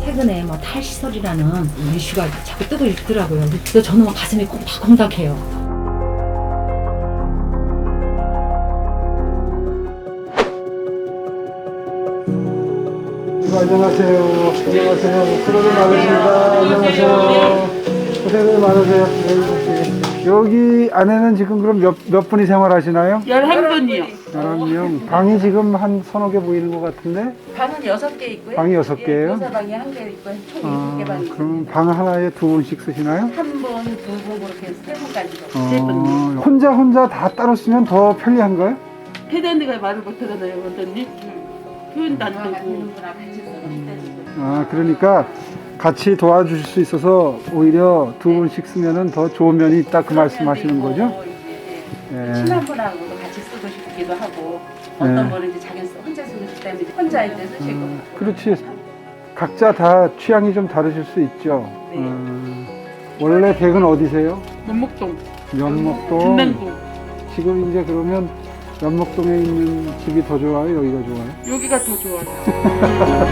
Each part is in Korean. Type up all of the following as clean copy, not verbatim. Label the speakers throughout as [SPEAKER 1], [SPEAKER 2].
[SPEAKER 1] 최근에 뭐 탈시설이라는 이슈가 자꾸 뜨고 있더라고요. 그래서 저는 가슴이 콩닥콩닥해요.
[SPEAKER 2] 안녕하세요. 안녕하세요. 수고들 많으십니다. 안녕하세요. 고생들 많으세요. 여기 안에는 지금 그럼 몇 분이 생활하시나요?
[SPEAKER 3] 11분이요.
[SPEAKER 2] 11명. 방이 지금 한 서너 개 보이는 것 같은데?
[SPEAKER 3] 방은 6개 있고요.
[SPEAKER 2] 방이 6개예요?
[SPEAKER 3] 교사방이 1개 있고 총 7개 방이
[SPEAKER 2] 그럼 방 하나에 2분씩 쓰시나요?
[SPEAKER 3] 한 분, 2분 그렇게 3분까지도 3분.
[SPEAKER 2] 혼자 다 따로 쓰면 더 편리한가요?
[SPEAKER 3] 패드가 말을 못하잖아요, 원장님. 표현도 안 되고.
[SPEAKER 2] 그러니까 같이 도와주실 수 있어서 오히려 2분씩 쓰면은 더 좋은 면이 있다 그 말씀하시는 거죠? 네.
[SPEAKER 3] 친한 분하고도 같이 쓰고 싶기도 하고 어떤 분은 이제 자기 혼자 쓰고 싶다 면 혼자 이제 쓰시고.
[SPEAKER 2] 그렇지. 각자 다 취향이 좀 다르실 수 있죠.
[SPEAKER 3] 네.
[SPEAKER 2] 원래 댁은 어디세요?
[SPEAKER 3] 면목동.
[SPEAKER 2] 연목동.
[SPEAKER 3] 중랑구.
[SPEAKER 2] 지금 이제 그러면 연목동에 있는 집이 더 좋아요? 여기가 좋아요?
[SPEAKER 3] 여기가 더 좋아요.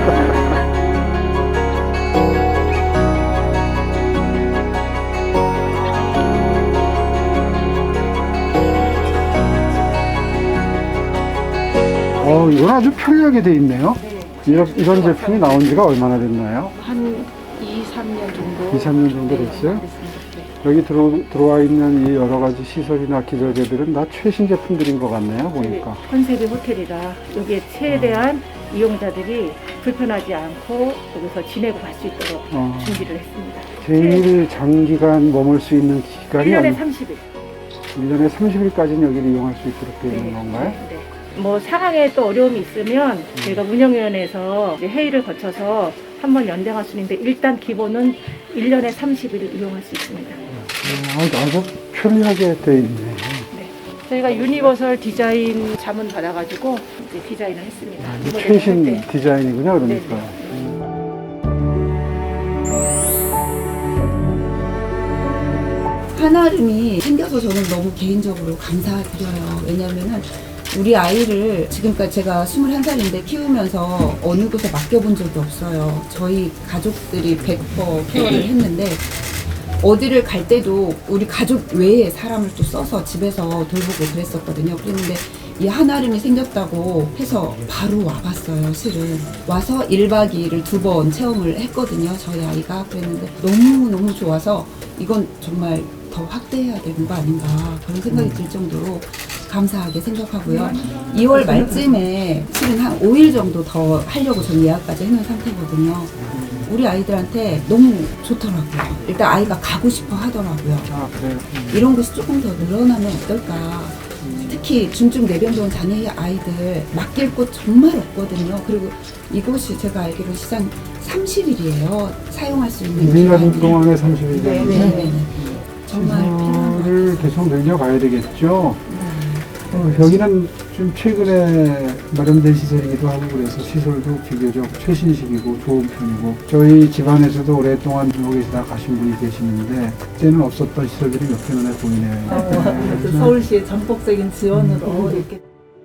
[SPEAKER 2] 이건 아주 편리하게 돼 있네요.
[SPEAKER 3] 네.
[SPEAKER 2] 이런 제품이 나온 지가 얼마나 됐나요?
[SPEAKER 3] 한 2, 3년 정도.
[SPEAKER 2] 2, 3년 정도 됐어요? 여기 들어와 있는 이 여러 가지 시설이나 기절개들은 다 최신 제품들인 것 같네요, 보니까.
[SPEAKER 4] 컨셉이 호텔이라 여기에 최대한 이용자들이 불편하지 않고 여기서 지내고 갈 수 있도록 준비를 했습니다.
[SPEAKER 2] 제일 장기간 머물 수 있는 기간이
[SPEAKER 4] 1년에 30일.
[SPEAKER 2] 1년에 30일까지는 여기를 이용할 수 있도록 되어 있는 건가요?
[SPEAKER 4] 네. 뭐 상황에 또 어려움이 있으면 저희가 운영위원회에서 이제 회의를 거쳐서 한번 연장할 수 있는데 일단 기본은 1년에 30일 이용할 수 있습니다.
[SPEAKER 2] 아주 편리하게 되어 있네.
[SPEAKER 4] 네. 저희가 유니버설 디자인 자문 받아가지고 이제 디자인을 했습니다. 리모델링 할
[SPEAKER 2] 최신
[SPEAKER 4] 때.
[SPEAKER 2] 디자인이군요, 그러니까.
[SPEAKER 5] 한아름이 생겨서 저는 너무 개인적으로 감사드려요. 왜냐면은 우리 아이를 지금까지 제가 21살인데 키우면서 어느 곳에 맡겨본 적이 없어요. 저희 가족들이 100% 케어를 했는데 어디를 갈 때도 우리 가족 외에 사람을 또 써서 집에서 돌보고 그랬었거든요. 그랬는데 이 한아름이 생겼다고 해서 바로 와봤어요. 실은 와서 1박 2일을 2번 체험을 했거든요. 저희 아이가. 그랬는데 너무너무 좋아서 이건 정말 더 확대해야 되는 거 아닌가 그런 생각이 들 정도로 감사하게 생각하고요. 2월 말쯤에 실은 한 5일 정도 더 하려고 전 예약까지 해놓은 상태거든요. 우리 아이들한테 너무 좋더라고요. 일단 아이가 가고 싶어 하더라고요.
[SPEAKER 2] 그래요?
[SPEAKER 5] 이런 것이 조금 더 늘어나면 어떨까. 특히 중증 내병동 장애 아이들 맡길 곳 정말 없거든요. 그리고 이곳이 제가 알기로 시장 30일이에요. 사용할 수 있는
[SPEAKER 2] 1년 동안에 30일.
[SPEAKER 5] 네. 정말 필요한 것
[SPEAKER 2] 시설을 계속 늘려가야 되겠죠. 여기는 좀 최근에 마련된 시설이기도 하고 그래서 시설도 비교적 최신식이고 좋은 편이고 저희 집안에서도 오랫동안 여기서 다 가신 분이 계시는데 그때는 없었던 시설들이 몇 개 눈에 보이네요.
[SPEAKER 6] 서울시의 전폭적인 지원으로 이렇게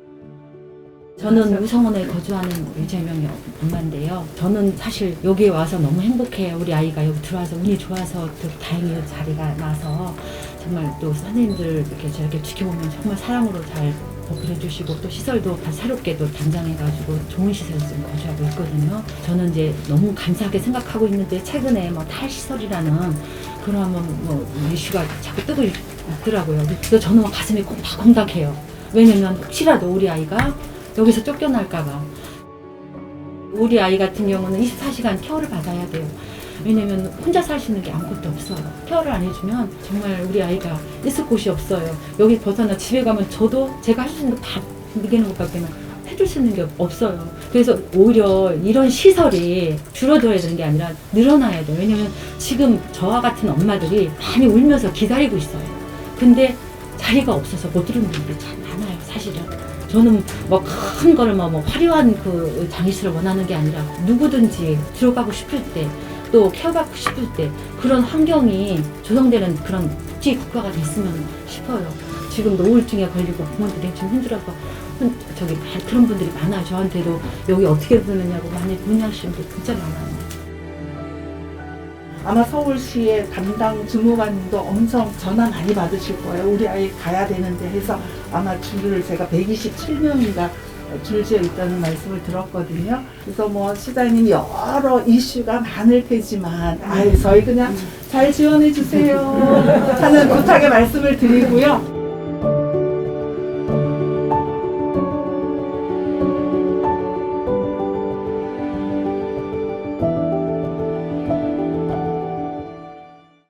[SPEAKER 1] 저는 우성원에 거주하는 유재명 엄마인데요. 저는 사실 여기에 와서 너무 행복해요. 우리 아이가 여기 들어와서 운이 좋아서 또 다행히 자리가 나서 정말 또 선생님들 이렇게 저렇게 지켜보면 정말 사랑으로 잘 보필해주시고 또 시설도 다 새롭게 또 단장해가지고 좋은 시설에 지금 거주하고 있거든요. 저는 이제 너무 감사하게 생각하고 있는데 최근에 뭐 탈시설이라는 그런 뭐 이슈가 자꾸 뜨고 있더라고요. 그래서 저는 가슴이 콩닥콩닥해요. 왜냐면 혹시라도 우리 아이가 여기서 쫓겨날까봐. 우리 아이 같은 경우는 24시간 케어를 받아야 돼요. 왜냐면 혼자 살 수 있는 게 아무것도 없어요. 케어를 안 해주면 정말 우리 아이가 있을 곳이 없어요. 여기 벗어나 집에 가면 저도 제가 할 수 있는 밥 먹이는 것밖에 해줄 수 있는 게 없어요. 그래서 오히려 이런 시설이 줄어들어야 되는 게 아니라 늘어나야 돼요. 왜냐면 지금 저와 같은 엄마들이 많이 울면서 기다리고 있어요. 근데 자리가 없어서 못 들어오는 분들이 참 많아요, 사실은. 저는 뭐 큰 거를 뭐 화려한 그 장애실을 원하는 게 아니라 누구든지 들어가고 싶을 때 또 케어받고 싶을 때 그런 환경이 조성되는 그런 복지 국가가 됐으면 싶어요. 지금도 우울증에 걸리고 부모들이 좀 힘들어서 그런 분들이 많아요. 저한테도 여기 어떻게 보느냐고 많이 문의하시는 분들 진짜 많아요.
[SPEAKER 6] 아마 서울시의 담당 주무관님도 엄청 전화 많이 받으실 거예요. 우리 아이 가야 되는데 해서 아마 줄을 제가 127명인가 줄지어 있다는 말씀을 들었거든요. 그래서 뭐 시장님 여러 이슈가 많을 테지만 저희 그냥 잘 지원해 주세요 하는 부탁의 말씀을 드리고요.